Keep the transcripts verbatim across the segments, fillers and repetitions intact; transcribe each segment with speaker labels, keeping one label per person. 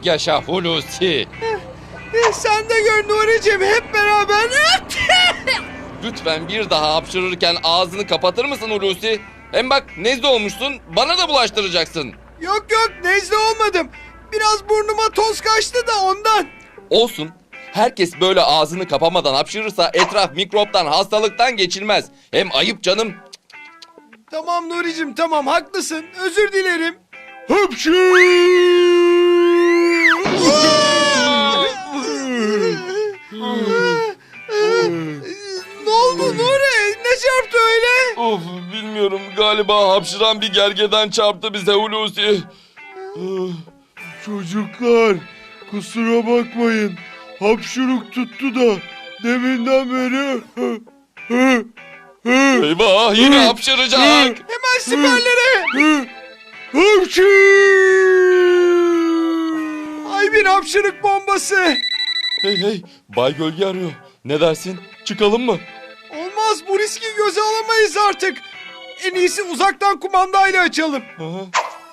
Speaker 1: yaşa Hulusi.
Speaker 2: E, sen de gör Nuri'cim, hep beraber.
Speaker 1: Lütfen bir daha hapşırırken ağzını kapatır mısın Hulusi? Hem bak nezle olmuşsun, bana da bulaştıracaksın.
Speaker 2: Yok yok, nezle olmadım. Biraz burnuma toz kaçtı da ondan.
Speaker 1: Olsun. Herkes böyle ağzını kapamadan hapşırırsa etraf mikroptan, hastalıktan geçilmez. Hem ayıp canım.
Speaker 2: Tamam Nuri'cim, tamam, haklısın. Özür dilerim.
Speaker 3: Hapşu!
Speaker 2: Ne oldu Nuri? Ne çarptı öyle?
Speaker 1: Of, bilmiyorum, galiba hapşıran bir gergedan çarptı bize Hulusi.
Speaker 3: Çocuklar, kusura bakmayın. Hapşuruk tuttu da deminden beri...
Speaker 1: Eyvah, yine hapşıracak.
Speaker 2: Hemen siperlere.
Speaker 3: Hapşu!
Speaker 2: Ay, bir hapşırık bombası.
Speaker 1: Hey hey, Bay Gölge arıyor. Ne dersin? Çıkalım mı?
Speaker 2: Olmaz, bu riski göze alamayız artık. En iyisi uzaktan kumandayla açalım.
Speaker 1: Aha.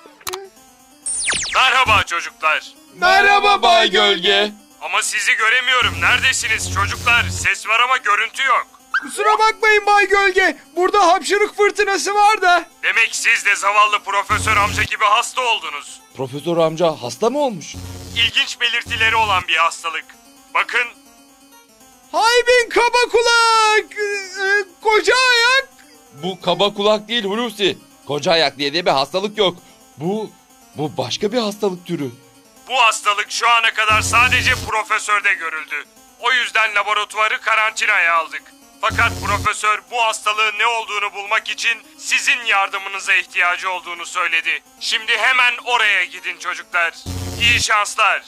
Speaker 4: Merhaba çocuklar.
Speaker 1: Merhaba Bay Gölge.
Speaker 4: Ama sizi göremiyorum. Neredesiniz çocuklar? Ses var ama görüntü yok.
Speaker 2: Kusura bakmayın Bay Gölge. Burada hapşırık fırtınası var da.
Speaker 4: Demek siz de zavallı profesör amca gibi hasta oldunuz.
Speaker 1: Profesör amca hasta mı olmuş?
Speaker 4: İlginç belirtileri olan bir hastalık. Bakın,
Speaker 2: Haybin kaba kulak. Ee, koca ayak.
Speaker 1: Bu kaba kulak değil Hulusi. Koca ayak diye de bir hastalık yok. Bu, bu başka bir hastalık türü.
Speaker 4: bu hastalık şu ana kadar sadece profesörde görüldü. O yüzden laboratuvarı karantinaya aldık. Fakat profesör bu hastalığın ne olduğunu bulmak için sizin yardımınıza ihtiyacı olduğunu söyledi. Şimdi hemen oraya gidin çocuklar. İyi şanslar.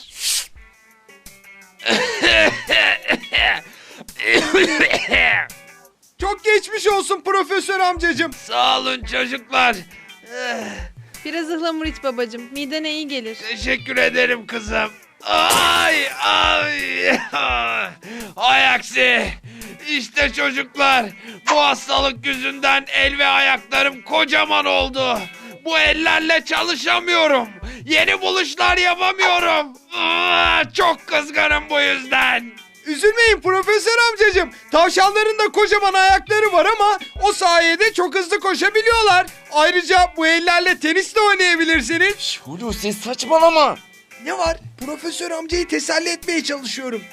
Speaker 2: Çok geçmiş olsun profesör amcacığım.
Speaker 5: Sağ olun çocuklar.
Speaker 6: Biraz ıhlamur iç babacığım. Midene iyi gelir.
Speaker 5: Teşekkür ederim kızım. Ay ay. Ay aksi. İşte çocuklar. Bu hastalık yüzünden el ve ayaklarım kocaman oldu. Bu ellerle çalışamıyorum. Yeni buluşlar yapamıyorum. Aa, çok kızgınım bu yüzden.
Speaker 2: Üzülmeyin profesör amcacığım. Tavşanların da kocaman ayakları var ama o sayede çok hızlı koşabiliyorlar. Ayrıca bu ellerle tenis de oynayabilirsiniz.
Speaker 1: Şş, Hulusi saçmalama.
Speaker 2: Ne var? Profesör amcayı teselli etmeye çalışıyorum.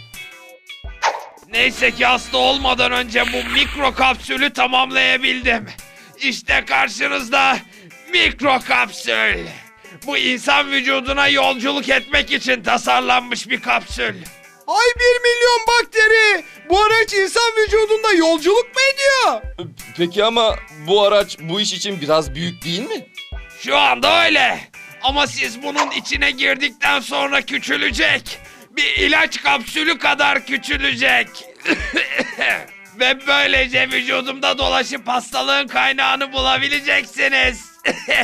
Speaker 5: Neyse ki hasta olmadan önce bu mikro kapsülü tamamlayabildim. İşte karşınızda mikro kapsül. Bu insan vücuduna yolculuk etmek için tasarlanmış bir kapsül.
Speaker 2: Ay, bir milyon bakteri. Bu araç insan vücudunda yolculuk mu ediyor?
Speaker 1: Peki ama bu araç bu iş için biraz büyük değil mi?
Speaker 5: Şu anda öyle. Ama siz bunun içine girdikten sonra küçülecek. Bir ilaç kapsülü kadar küçülecek. Ve böylece vücudumda dolaşıp hastalığın kaynağını bulabileceksiniz.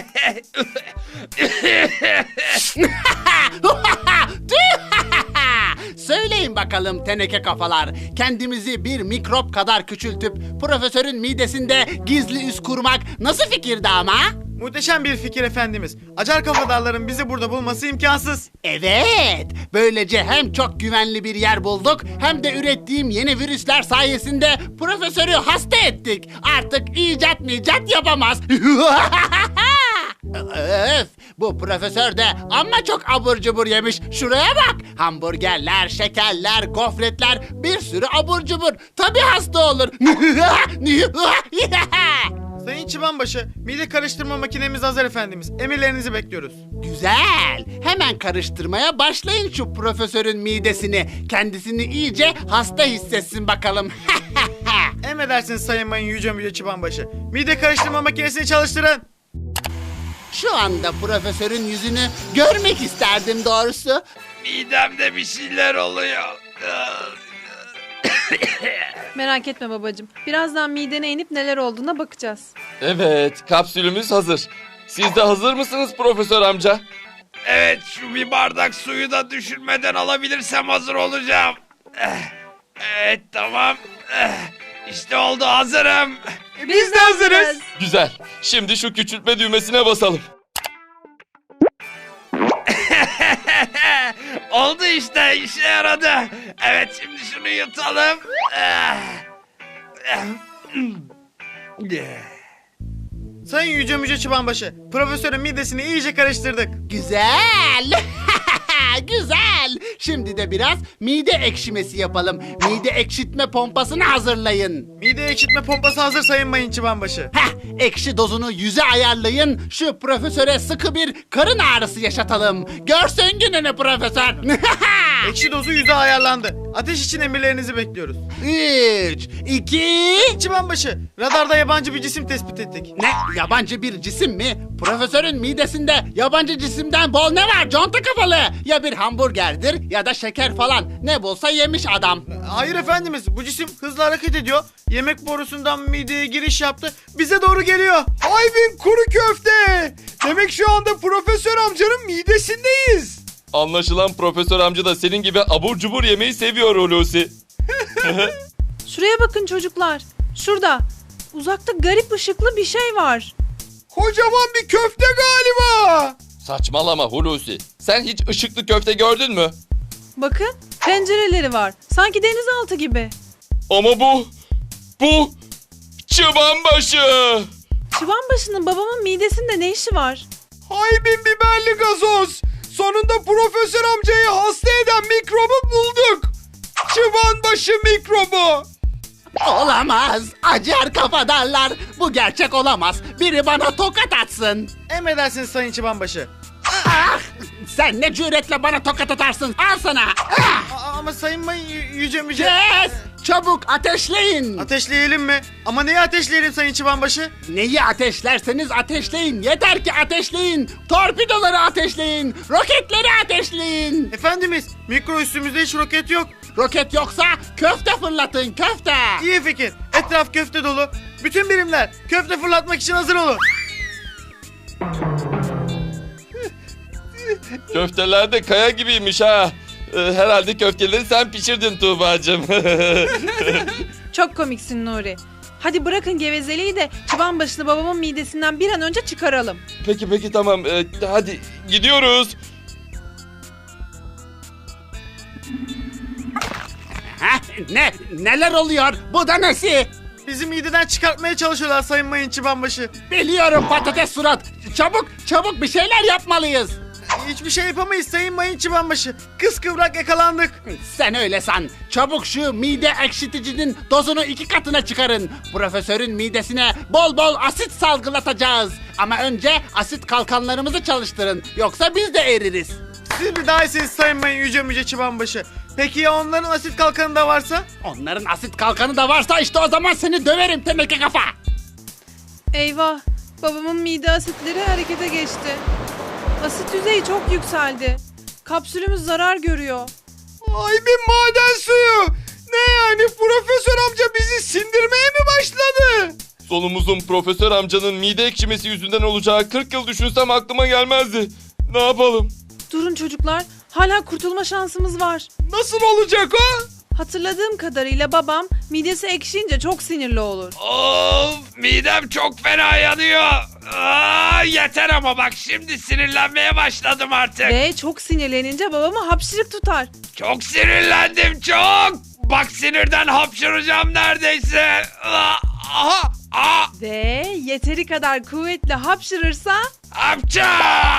Speaker 7: Söyleyin bakalım teneke kafalar. Kendimizi bir mikrop kadar küçültüp profesörün midesinde gizli üs kurmak nasıl fikirdi ama?
Speaker 8: Muhteşem bir fikir efendimiz. Acar kafadarların bizi burada bulması imkansız.
Speaker 7: Evet. Böylece hem çok güvenli bir yer bulduk hem de ürettiğim yeni virüsler sayesinde profesörü hasta ettik. Artık icat micat yapamaz. Öf, bu profesör de amma çok abur cubur yemiş. Şuraya bak. Hamburgerler, şekerler, gofretler, bir sürü abur cubur. Tabii hasta olur.
Speaker 8: Sayın Çıbanbaşı, mide karıştırma makinemiz hazır efendimiz. Emirlerinizi bekliyoruz.
Speaker 7: Güzel. Hemen karıştırmaya başlayın şu profesörün midesini. Kendisini iyice hasta hissetsin bakalım.
Speaker 8: Emredersiniz Sayın Mayın Yüce Müce Çıbanbaşı. Mide karıştırma makinesini çalıştırın.
Speaker 7: Şu anda profesörün yüzünü görmek isterdim doğrusu.
Speaker 5: Midemde bir şeyler oluyor.
Speaker 6: Merak etme babacığım. Birazdan midene inip neler olduğuna bakacağız.
Speaker 1: Evet, kapsülümüz hazır. Siz de hazır mısınız Profesör amca?
Speaker 5: Evet, şu bir bardak suyu da düşürmeden alabilirsem hazır olacağım. Eh, Evet, tamam. Eh, İşte oldu, hazırım.
Speaker 6: Biz de hazırız.
Speaker 1: Güzel. Şimdi şu küçültme düğmesine basalım.
Speaker 5: Oldu işte, işe yaradı. Evet, şimdi şunu yutalım. Ah. Ah.
Speaker 8: Sayın Yüce Müce Çıbanbaşı, profesörün midesini iyice karıştırdık.
Speaker 7: Güzel. Güzel. Şimdi de biraz mide ekşimesi yapalım. Mide ekşitme pompasını hazırlayın.
Speaker 8: Mide ekşitme pompası hazır Sayın Mayın Çıbanbaşı.
Speaker 7: Heh, ekşi dozunu yüze ayarlayın. Şu profesöre sıkı bir karın ağrısı yaşatalım. Görsün gününü profesör.
Speaker 8: Ekşi dozu yüze ayarlandı. Ateş için emirlerinizi bekliyoruz.
Speaker 7: Üç, iki...
Speaker 8: Çıbanbaşı, radarda yabancı bir cisim tespit ettik.
Speaker 7: Ne? Yabancı bir cisim mi? Profesörün midesinde yabancı cisimden bol ne var conta kafalı? Ya bir hamburgerdir ya da şeker falan. Ne bulsa yemiş adam.
Speaker 8: Hayır efendimiz, bu cisim hızlı hareket ediyor. Yemek borusundan mideye giriş yaptı. Bize doğru geliyor.
Speaker 2: Ay bin kuru köfte. Demek şu anda profesör amcanın midesindeyiz.
Speaker 1: Anlaşılan profesör amca da senin gibi abur cubur yemeyi seviyor Hulusi.
Speaker 6: Şuraya bakın çocuklar. Şurada. Uzakta garip ışıklı bir şey var.
Speaker 2: Kocaman bir köfte galiba.
Speaker 1: Saçmalama Hulusi. Sen hiç ışıklı köfte gördün mü?
Speaker 6: Bakın pencereleri var. Sanki denizaltı gibi.
Speaker 1: Ama bu... Bu... Çıbanbaşı.
Speaker 6: Çıbanbaşı'nın babamın midesinde ne işi var?
Speaker 2: Hay bin biberli gazoz. Sonunda profesör amcayı hasta eden mikrobu bulduk. Çıbanbaşı mikrobu.
Speaker 7: Olamaz. Acar kafadarlar. Bu gerçek olamaz. Biri bana tokat atsın.
Speaker 8: Emredersiniz Sayın Çıbanbaşı.
Speaker 7: Ah! Sen ne cüretle bana tokat atarsın? Al sana. Ah!
Speaker 8: Aa, ama Sayın Mayın Yü- Yüce Müce...
Speaker 7: Kes! Çabuk ateşleyin.
Speaker 8: Ateşleyelim mi? Ama neyi ateşleyelim Sayın Çıbanbaşı?
Speaker 7: Neyi ateşlerseniz ateşleyin. Yeter ki ateşleyin. Torpidoları ateşleyin. Roketleri ateşleyin.
Speaker 8: Efendimiz, mikro üstümüzde hiç roket yok.
Speaker 7: Roket yoksa köfte fırlatın köfte.
Speaker 8: İyi fikir. Etraf köfte dolu. Bütün birimler köfte fırlatmak için hazır olun.
Speaker 1: Köfteler de kaya gibiymiş ha. Ee, Herhalde köfteleri sen pişirdin Tuğba'cığım.
Speaker 6: Çok komiksin Nuri. Hadi bırakın gevezeliği de Çıbanbaşı'nı babamın midesinden bir an önce çıkaralım.
Speaker 1: Peki peki tamam. Ee, hadi gidiyoruz.
Speaker 7: Heh, ne? Neler oluyor? Bu da nesi?
Speaker 8: Bizi mideden çıkartmaya çalışıyorlar Sayın Mayın Çıbanbaşı.
Speaker 7: Biliyorum patates surat. Çabuk çabuk bir şeyler yapmalıyız.
Speaker 8: Hiçbir şey yapamayız Sayın Mayın Çıbanbaşı. Kıskıvrak yakalandık.
Speaker 7: Sen öyle san. Çabuk şu mide ekşiticinin dozunu iki katına çıkarın. Profesörün midesine bol bol asit salgılatacağız. Ama önce asit kalkanlarımızı çalıştırın. Yoksa biz de eririz.
Speaker 8: Siz bir daha iyisiniz Sayın Mayın Yüce Müce Çıbanbaşı. Peki ya onların asit kalkanı da varsa?
Speaker 7: Onların asit kalkanı da varsa işte o zaman seni döverim teneke kafa.
Speaker 6: Eyvah. Babamın mide asitleri harekete geçti. Asit düzeyi çok yükseldi. Kapsülümüz zarar görüyor.
Speaker 2: Ay bin maden suyu. Ne yani profesör amca bizi sindirmeye mi başladı?
Speaker 1: Sonumuzun profesör amcanın mide ekşimesi yüzünden olacağı kırk yıl düşünsem aklıma gelmezdi. Ne yapalım?
Speaker 6: Durun çocuklar. Hala kurtulma şansımız var.
Speaker 2: Nasıl olacak o?
Speaker 6: Hatırladığım kadarıyla babam midesi ekşiyince çok sinirli olur.
Speaker 5: Of, midem çok fena yanıyor. Aa, yeter ama bak şimdi sinirlenmeye başladım artık.
Speaker 6: Ve çok sinirlenince babamı hapşırık tutar.
Speaker 5: Çok sinirlendim çok. Bak sinirden hapşıracağım neredeyse. Aa, aha, aa,
Speaker 6: Ve yeteri kadar kuvvetli hapşırırsa...
Speaker 5: hapça.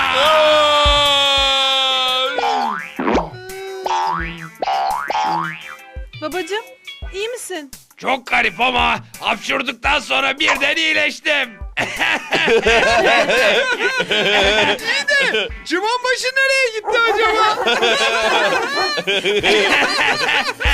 Speaker 6: Babacım, iyi misin?
Speaker 5: Çok garip ama hapşurduktan sonra birden iyileştim.
Speaker 2: Çıbanbaşı nereye gitti acaba?